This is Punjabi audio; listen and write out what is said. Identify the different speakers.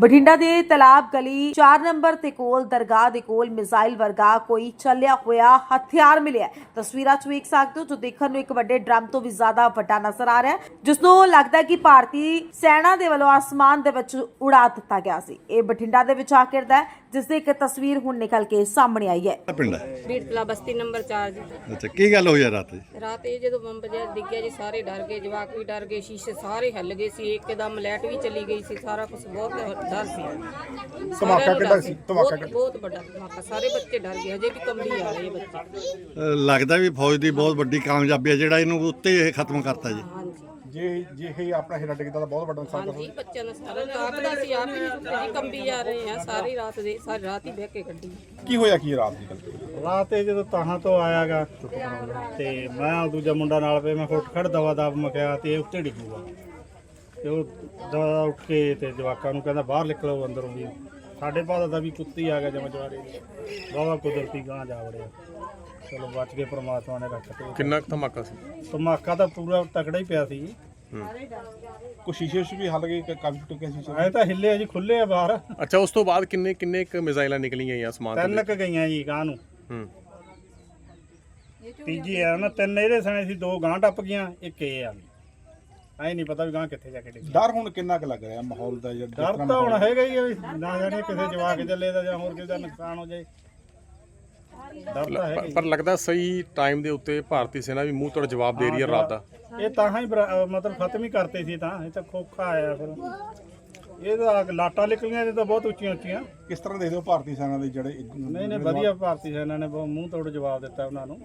Speaker 1: ਬਠਿੰਡਾ ਦੇ ਤਲਾਬ ਗਲੀ 4 ਨੰਬਰ ਤੇ ਕੋਲ ਦਰਗਾਹ ਦੇ ਕੋਲ ਮਿਜ਼ਾਈਲ ਵਰਗਾ ਕੋਈ ਚੱਲਿਆ ਹੋਇਆ ਹਥਿਆਰ ਮਿਲਿਆ। ਤਸਵੀਰਾਂ 'ਚ ਵੇਖ ਸਕਦੇ ਹੋ ਜੋ ਦੇਖਣ ਨੂੰ ਇੱਕ ਵੱਡੇ ਡਰਮ ਤੋਂ ਵੀ ਜ਼ਿਆਦਾ ਵੱਡਾ ਨਜ਼ਰ ਆ ਰਿਹਾ ਹੈ, ਜਿਸ ਨੂੰ ਲੱਗਦਾ ਹੈ ਕਿ ਭਾਰਤੀ ਸੈਨਾ ਦੇ ਵੱਲੋਂ ਆਸਮਾਨ ਦੇ ਵਿੱਚ ਉਡਾ ਦਿੱਤਾ ਗਿਆ ਸੀ। ਇਹ ਬਠਿੰਡਾ ਦੇ ਵਿੱਚ ਆ ਕਰਦਾ ਹੈ, ਜਿਸ ਦੀ ਇੱਕ ਤਸਵੀਰ ਹੁਣ ਨਿਕਲ ਕੇ ਸਾਹਮਣੇ ਆਈ ਹੈ।
Speaker 2: ਪਿੰਡ
Speaker 3: ਬੀੜਤਲਾ ਬਸਤੀ ਨੰਬਰ 4 ਜੀ।
Speaker 2: ਅੱਛਾ, ਕੀ ਗੱਲ ਹੋਈ ਰਾਤ?
Speaker 3: ਰਾਤ ਇਹ ਜਦੋਂ ਬੰਬ ਜਿਹਾ ਡਿੱਗਿਆ ਜੀ, ਸਾਰੇ ਡਰ ਗਏ, ਜਵਾਕ ਵੀ ਡਰ ਗਏ, ਸ਼ੀਸ਼ੇ ਸਾਰੇ ਹਿੱਲ ਗਏ ਸੀ, ਇੱਕਦਮ ਲਾਈਟ ਵੀ ਚਲੀ ਗਈ ਸੀ, ਸਾਰਾ ਕੁਝ ਬਹੁਤ ਡਰ ਸੀ।
Speaker 4: ਧਮਾਕਾ ਕਿੱਡਾ ਸੀ? ਧਮਾਕਾ
Speaker 3: ਬਹੁਤ ਵੱਡਾ ਧਮਾਕਾ, ਸਾਰੇ ਬੱਚੇ ਡਰ ਗਏ, ਹਜੇ ਵੀ ਕੰਬੀ ਆ ਰਹੇ ਬੱਚੇ।
Speaker 2: ਲੱਗਦਾ ਵੀ ਫੌਜ ਦੀ ਬਹੁਤ ਵੱਡੀ ਕਾਮਯਾਬੀ ਹੈ ਜਿਹੜਾ ਇਹਨੂੰ ਉੱਤੇ ਇਹ ਖਤਮ ਕਰਤਾ ਜੀ।
Speaker 3: ਹਾਂਜੀ
Speaker 4: ਜੇ ਇਹ ਆਪਣਾ ਹੀਰਾ ਡਿੱਗਦਾ ਤਾਂ ਬਹੁਤ ਵੱਡਾ ਨੁਕਸਾਨ
Speaker 3: ਹਾਂਜੀ, ਬੱਚਿਆਂ ਦਾ ਸਾਰਾ ਰਾਤ ਦਾ ਸੀ, ਆਪ ਹੀ ਕੰਬੀ ਜਾ ਰਹੇ ਆ, ਸਾਰੀ ਰਾਤ ਹੀ ਬਹਿ ਕੇ ਕੱਢੀ।
Speaker 4: ਕੀ ਹੋਇਆ ਕੀ ਰਾਤ ਦੀ ਗੱਲ?
Speaker 5: ਰਾਤ ਇਹ ਜਦੋਂ ਤਾਹਾਂ ਤੋਂ ਆਇਆਗਾ ਤੇ ਮੈਂ ਦੂਜਾ ਮੁੰਡਾ ਨਾਲ ਪਏ, ਮੈਂ ਉੱਠ ਖੜ ਦਵਾ ਦਬ ਮਕਿਆ ਤੇ ਇਹ ਉੱਤੇ ਡਿੱਗੂਗਾ ਤੇ ਉਹ ਦਵਾ ਉੱਠ ਕੇ ਤੇ ਜਵਾਕਾਂ ਨੂੰ ਕਹਿੰਦਾ ਬਾਹਰ ਨਿਕਲੋ ਅੰਦਰੋਂ ਵੀ। ਸਾਡੇ ਭਾਦਾ ਦਾ ਵੀ ਕੁੱਤੀ ਆ ਗਿਆ ਜਮਚਵਾਰੇ ਬਾਵਾ ਕੁਦਰਤੀ ਗਾਂ ਜਾ ਵੜਿਆ। ਚਲੋ ਬਚ ਗਏ, ਪ੍ਰਮਾਤਮਾ ਨੇ ਰੱਖਤੇ।
Speaker 6: ਕਿੰਨਾ ਕੁ ਧਮਾਕਾ ਸੀ?
Speaker 5: ਧਮਾਕਾ ਤਾਂ ਪੂਰਾ ਤਕੜਾ ਹੀ ਪਿਆ ਸੀ।
Speaker 4: ਕੁਛ ਸ਼ੀਸ਼ੇ ਵੀ ਹੱਲ ਗਏ ਕਿ ਕਾਫੀ ਟੁੱਟੇ ਸ਼ੀਸ਼ੇ?
Speaker 5: ਐ ਤਾਂ ਹਿੱਲੇ ਜੀ, ਖੁੱਲੇ ਆ ਬਾਹਰ।
Speaker 6: ਅੱਛਾ, ਉਸ ਤੋਂ ਬਾਅਦ ਕਿੰਨੇ ਕੁ ਮਿਜ਼ਾਈਲਾਂ ਨਿਕਲੀਆਂ ਜਾਂ ਸਮਾਨ
Speaker 5: ਤਿੰਨ ਕ ਗਈਆਂ ਜੀ ਗਾਂ ਨੂੰ। ਤੀਜੀ ਆ ਨਾ, ਤਿੰਨ ਇਹਦੇ ਸਣੇ ਸੀ, ਦੋ ਗਾਂ ਟੱਪ ਗਈਆਂ, ਇੱਕ ਇਹ ਆ ਗਈ। ਐ ਨਹੀਂ ਪਤਾ ਵੀ ਗਾਂ ਕਿੱਥੇ ਜਾ ਕੇ ਡਿੱਗੀ।
Speaker 4: ਡਰ ਹੁਣ ਕਿੰਨਾ ਕੁ ਲੱਗ ਰਿਹਾ ਮਾਹੌਲ ਦਾ?
Speaker 5: ਡਰ ਤਾਂ ਹੁਣ ਹੈਗਾ ਹੀ ਆ ਵੀ ਨਾ ਜਾਣੇ ਕਿਸੇ ਜਵਾਕ ਚੱਲੇ ਦਾ ਜਾਂ ਹੋਰ ਕਿਸੇ ਦਾ ਨੁਕਸਾਨ ਹੋ ਜਾਏ। ਡਰ ਤਾਂ ਹੈਗਾ ਹੀ।
Speaker 6: ਪਰ ਲੱਗਦਾ ਸਹੀ ਟਾਈਮ ਦੇ ਉੱਤੇ ਭਾਰਤੀ ਸੈਨਾ ਵੀ ਮੂੰਹ ਤੋੜ ਜਵਾਬ ਦੇ ਰਹੀ ਹੈ ਰਾਤ ਦਾ।
Speaker 5: ਇਹ ਤਾਂ ਹੀ ਮਤਲਬ ਖਤਮ ਹੀ ਕਰਤੇ ਸੀ, ਤਾਂ ਇਹ ਤਾਂ ਖੋਖਾ ਆਇਆ ਫਿਰ। ਇਹਦਾ ਲਾਟਾਂ ਨਿਕਲੀਆਂ, ਇਹ ਤਾਂ ਬਹੁਤ ਉੱਚੀਆਂ ਉੱਚੀਆਂ।
Speaker 4: ਕਿਸ ਤਰ੍ਹਾਂ ਦੇਖਦੇ ਹੋ ਭਾਰਤੀ ਸੈਨਾ ਦੇ ਜਿਹੜੇ
Speaker 5: ਨਹੀਂ ਵਧੀਆ, ਭਾਰਤੀ ਸੈਨਾ ਨੇ ਬਹੁਤ ਮੂੰਹ ਤੋੜ ਜਵਾਬ ਦਿੱਤਾ ਉਹਨਾਂ ਨੂੰ।